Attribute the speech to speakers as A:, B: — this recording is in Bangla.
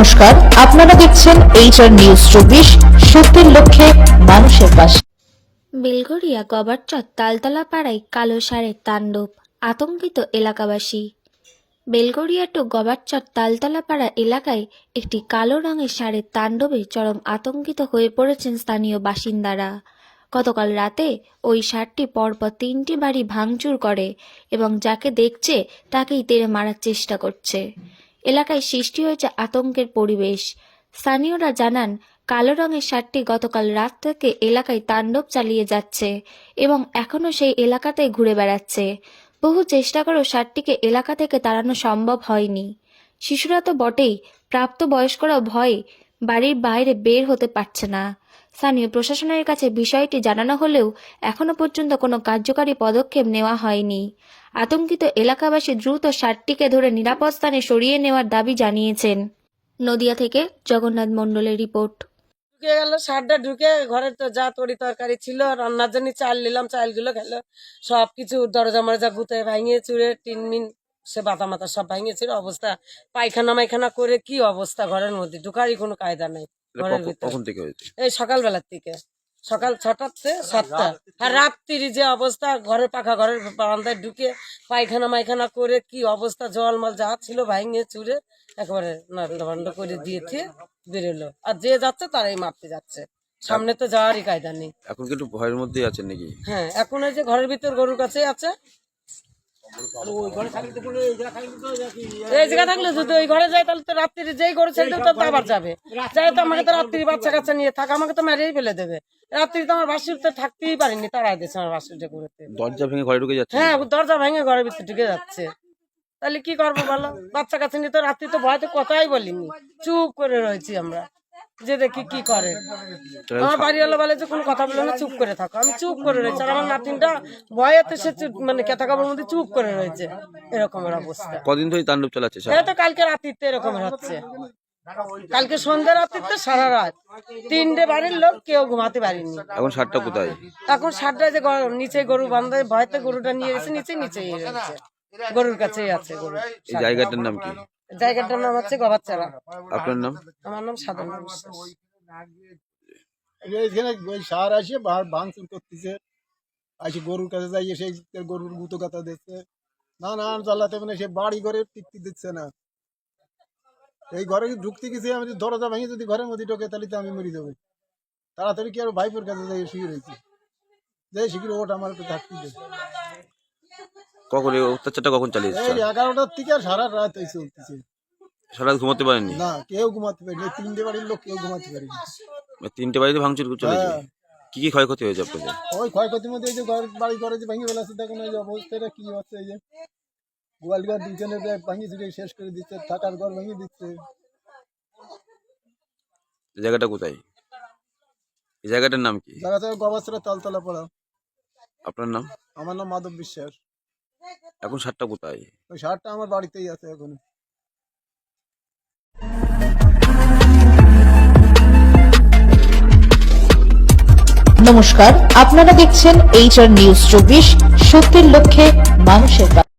A: নমস্কার, আপনারা দেখছেন HR নিউজ 24, সত্যের লক্ষ্যে মানুষের পাশে।
B: বেলঘরিয়া গবারচর তালতলা পাড়ায় কালো ষাঁড়ের তাণ্ডব, আতঙ্কিত এলাকাবাসী। বেলঘরিয়া টু গবারচর তালতলা পাড়া এলাকায় একটি কালো রঙের ষাঁড়ের তাণ্ডবে চরম আতঙ্কিত হয়ে পড়েছেন স্থানীয় বাসিন্দারা। গতকাল রাতে ওই ষাঁড়টি পরপর 3টি বাড়ি ভাঙচুর করে এবং যাকে দেখছে তাকেই তেড়ে মারার চেষ্টা করছে। এলাকায় সৃষ্টি হয়েছে আতঙ্কের পরিবেশ। স্থানীয়রা জানান, কালো রঙের ষাঁড়টি গতকাল রাত থেকে এলাকায় তাণ্ডব চালিয়ে যাচ্ছে এবং এখনও সেই এলাকাতেই ঘুরে বেড়াচ্ছে। বহু চেষ্টা করেও ষাঁড়টিকে এলাকা থেকে তাড়ানো সম্ভব হয়নি। শিশুরা তো বটেই, প্রাপ্তবয়স্করাও ভয়ে বাড়ির বাইরে বের হতে পারছে না। স্থানীয় প্রশাসনের কাছে বিষয়টি জানানো হলেও এখনও পর্যন্ত কোনো কার্যকারী পদক্ষেপ নেওয়া হয়নি। আতঙ্কিত এলাকাবাসী দ্রুত ষাঁড়টিকে ধরে নিরাপদ স্থানে সরিয়ে নেওয়ার দাবি জানিয়েছেন। নদিয়া থেকে জগন্নাথ মণ্ডলের রিপোর্ট।
C: ঢুকে গেল ষাঁড়টা, ঢুকে ঘরে তো যা তরি তরকারি ছিল, রান্নার জন্য চাল নিলাম, চালগুলো খেলো, সবকিছু দরজা মরজা গুতে ভাঙিয়ে চুড়ে টিনমিন সে বাতা মাতা সব ভাঙিয়েছিল। অবস্থা পায়খানা মাইখানা করে কি অবস্থা, ঘরের মধ্যে ঢুকারই কোনো কায়দা নাই। ঘরের ভিতরে এই সকালবেলার থেকে, সকাল 6টা থেকে 7টা, আর রাত্রি যে অবস্থা, ঘরের পাখা ঘরের বারান্দায় ঢুকে পায়খানা মাইখানা করে কি অবস্থা, জলমল যা ছিল ভাঙিয়ে চুড়ে একেবারে নান্ড করে দিয়েছে, বেরোলো। আর যে যাচ্ছে তারাই মারতে যাচ্ছে, সামনে তো যাওয়ারই কায়দা নেই।
D: এখন কিন্তু ভয়ের মধ্যেই আছেন নাকি?
C: হ্যাঁ, এখন ওই যে ঘরের ভিতর গরুর কাছে আছে। এই জায়গা থাকলে যদি ওই ঘরে যায় তাহলে তো রাত্রি যেই গরু ছেড়ে তো আবার যাবে, যাই তো আমাকে তো রাত্রি বাচ্চা কাচ্চা নিয়ে থাক, আমাকে তো মেরেই ফেলে দেবে। রাত্রি তো আমার বাসুরতে থাকতেই পারিনি, তারাই দিয়েছে আমার বাসুরটা করেতে।
D: দরজা ভেঙে ঘরে ঢুকে যাচ্ছে?
C: হ্যাঁ, দরজা ভেঙে ঘরের ভিতরে ঢুকে যাচ্ছে। তাহলে কি করবো বলো, বাচ্চা কাচ্চা নিয়ে তো রাত্রি তো ভয়তে কথাই বলিনি, চুপ করে রয়েছি আমরা, যে দেখি কি করে। আমার বাড়িওয়ালা বলে যে কোনো কথা বলে না, চুপ করে থাকো। আমি চুপ করে রয়েছি, আর আমার নাতিনটা ভয়েতে সে মানে কেতা কাপড়ের মধ্যে চুপ করে রয়েছে। এরকমের অবস্থা।
D: কদিন ধরে তাণ্ডব চালাচ্ছে?
C: এই তো কালকে রাত্রিতে এরকমের হচ্ছে, কালকে সন্ধ্যা রাত্রিতে সারা রাত 3টে বাড়ির লোক কেউ ঘুমাতে পারিনি।
D: এখন ষাঁড়টা কোথায়?
C: এখন ষাঁড়টা যে নিচে গরু বান্ধায় ভয়তে গরুটা নিয়ে গেছে, নিচেই রয়েছে, গরুর কাছেই আছে গরু।
D: এই জায়গাটার নাম কি?
C: জায়গাটার নাম হচ্ছে গবারচারা।
D: আপনার নাম?
C: আমার নাম সাধনা বিশ্বাস।
E: এইখানে ওই সার আসে ভাঙচুর করতেছে, আসে গরুর কাছে যাই, সেই গরুর গুতো কাতা দিচ্ছে, নানান জ্বালাতে, মানে সে বাড়ি ঘরে টিকতে দিচ্ছে না। এই ঘরে ঢুকতে গেছি আমি, দরজা ভেঙে যদি ঘরের মধ্যে ঢোকে তাহলে তো আমি মরে যাবো। তাড়াতাড়ি কি আর ভাইপোর কাছে যাই শুয়ে রয়েছি, যাই শিখির ওটা আমার একটু থাকতে দে।
D: কখন এই অত্যাচারটা কখন চালিয়েছে?
E: এই 11টার থেকে আর সারা রাত এই চলতেছে।
D: সারা রাত ঘুমাতে পারেননি?
E: না, কেউ ঘুমাতে পারেনি, 3টে বাড়ির লোক কেউ ঘুমাতে পারেনি।
D: 3টে বাড়িতে ভাঙচুর চলেছে?
E: হ্যাঁ।
D: কি কি ক্ষয়ক্ষতি হয়েছে আপনাদের?
E: ওই ক্ষয়ক্ষতির মধ্যে এই যে বাড়ি ঘরে যে ভেঙে ফেলাচ্ছে, দেখুন এই যে অবস্থাটা কি হচ্ছে। এই যে গোয়াল ঘর দুজনের ভাঙিয়ে চুড়ে শেষ করে দিচ্ছে, থাকার ঘর ভেঙে দিচ্ছে।
D: জায়গাটা কোথায়? এই জায়গাটার নাম কি?
E: জায়গাটা গবারচরা তালতলা পাড়া।
D: আপনার নাম?
E: আমার নাম মাধব বিশ্বাস।
D: এখন ষাঁড়টা কোথায়?
E: ওই ষাঁড়টা আমার বাড়িতেই আছে এখন।
A: নমস্কার, আপনারা দেখছেন HR নিউজ 24, সত্যের লক্ষ্যে মানুষের পাশে।